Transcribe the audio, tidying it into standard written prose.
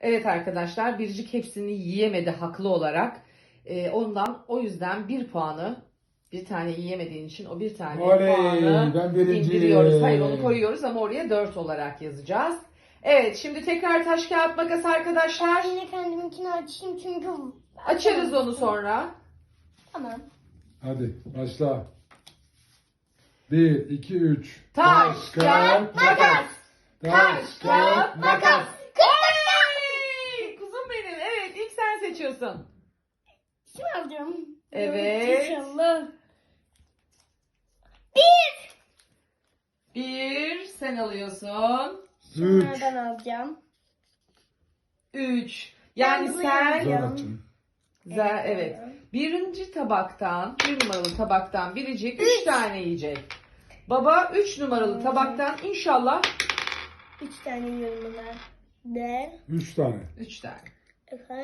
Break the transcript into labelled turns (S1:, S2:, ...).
S1: Evet arkadaşlar, Biricik hepsini yiyemedi haklı olarak. O yüzden bir tane yiyemediğin için o bir tane
S2: Oley,
S1: puanı
S2: ben birinci.
S1: indiriyoruz. Hayır, onu koyuyoruz ama oraya 4 olarak yazacağız. Evet, şimdi tekrar taş kağıt makas arkadaşlar.
S3: Yine kendiminkini açayım çünkü...
S1: Açarız onu sonra.
S3: Tamam.
S2: Hadi başla. 1, 2, 3.
S1: Taş, kağıt, makas. Taş, kağıt, makas. Hey! Kuzum benim. Evet, ilk sen seçiyorsun.
S3: Şimdi alacağım.
S1: Evet.
S3: İnşallah.
S1: Bir sen alıyorsun.
S2: 3.
S3: Şunlardan alacağım.
S1: 3. Yani
S3: Ben bunu
S1: sen...
S2: Zor
S3: yapacağım.
S2: açın.
S1: Evet. Birinci tabaktan, 1 numaralı tabaktan Biricik 3 tane yiyecek. Baba 3 numaralı tabaktan inşallah
S3: 3 tane yiyorum bunlar. De.
S2: 3 tane.
S1: 3 tane.
S3: Efendim.